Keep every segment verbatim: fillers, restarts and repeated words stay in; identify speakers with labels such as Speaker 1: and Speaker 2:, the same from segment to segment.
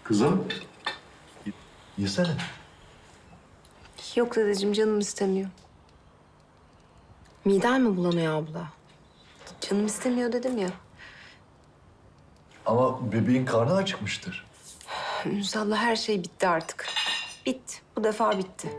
Speaker 1: Kızım, y- yesene.
Speaker 2: Yok dedeciğim, canım istemiyor.
Speaker 3: Miden mi bulanıyor abla?
Speaker 2: Canım istemiyor dedim ya.
Speaker 1: Ama bebeğin karnı acıkmıştır.
Speaker 2: Ünsal'la her şey bitti artık. Bitti. Bu defa bitti.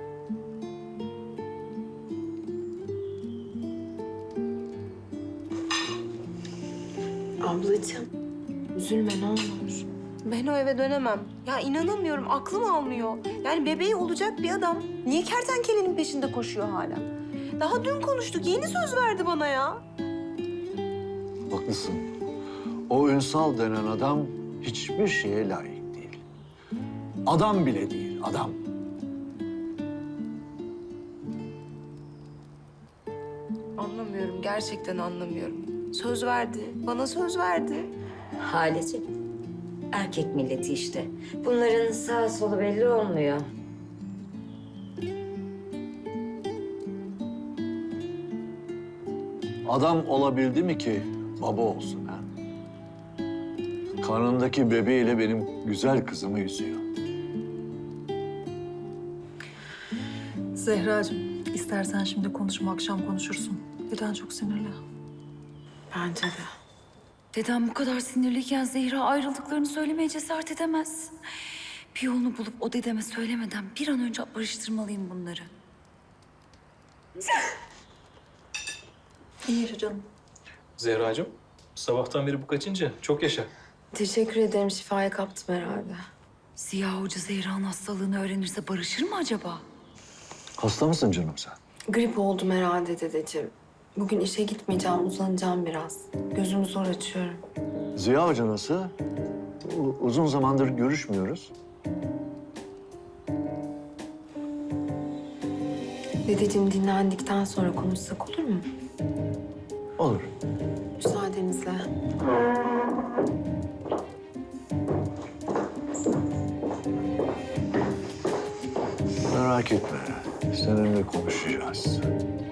Speaker 3: Ablacığım, üzülme ne olur.
Speaker 2: Ben o eve dönemem. Ya inanamıyorum, aklım almıyor. Yani bebeği olacak bir adam niye kertenkelenin peşinde koşuyor hala? Daha dün konuştuk, yeni söz verdi bana ya.
Speaker 4: Haklısın. O Ünsal denen adam hiçbir şeye layık değil. Adam bile değil, adam.
Speaker 2: Anlamıyorum, gerçekten anlamıyorum. Söz verdi, bana söz verdi.
Speaker 5: Haleciğim, erkek milleti işte. Bunların sağ solu belli olmuyor.
Speaker 4: Adam olabildi mi ki baba olsun ha? Karnındaki bebeğiyle benim güzel kızımı üzüyor.
Speaker 6: Zehracığım, istersen şimdi konuşma, akşam konuşursun. Birden çok sinirli.
Speaker 3: Bence de.
Speaker 7: Dedem bu kadar sinirliyken Zehra ayrıldıklarını söylemeye cesaret edemez. Bir yolunu bulup o dedeme söylemeden bir an önce barıştırmalıyım bunları.
Speaker 6: İyi yaşa canım.
Speaker 8: Zehracığım, sabahtan beri bu kaçıncı? Çok yaşa.
Speaker 3: Teşekkür ederim, şifaya kaptım herhalde.
Speaker 7: Ziya Hoca Zehra'nın hastalığını öğrenirse barışır mı acaba?
Speaker 4: Hasta mısın canım sen?
Speaker 3: Grip oldum herhalde dedeciğim. Bugün işe gitmeyeceğim, uzanacağım biraz. Gözümü zor açıyorum.
Speaker 4: Ziya Hoca nasıl? U- uzun zamandır görüşmüyoruz.
Speaker 3: Dedeciğim dinlendikten sonra konuşsak olur mu?
Speaker 4: Olur.
Speaker 3: Müsaadenizle.
Speaker 4: Merak etme. Seninle konuşacağız.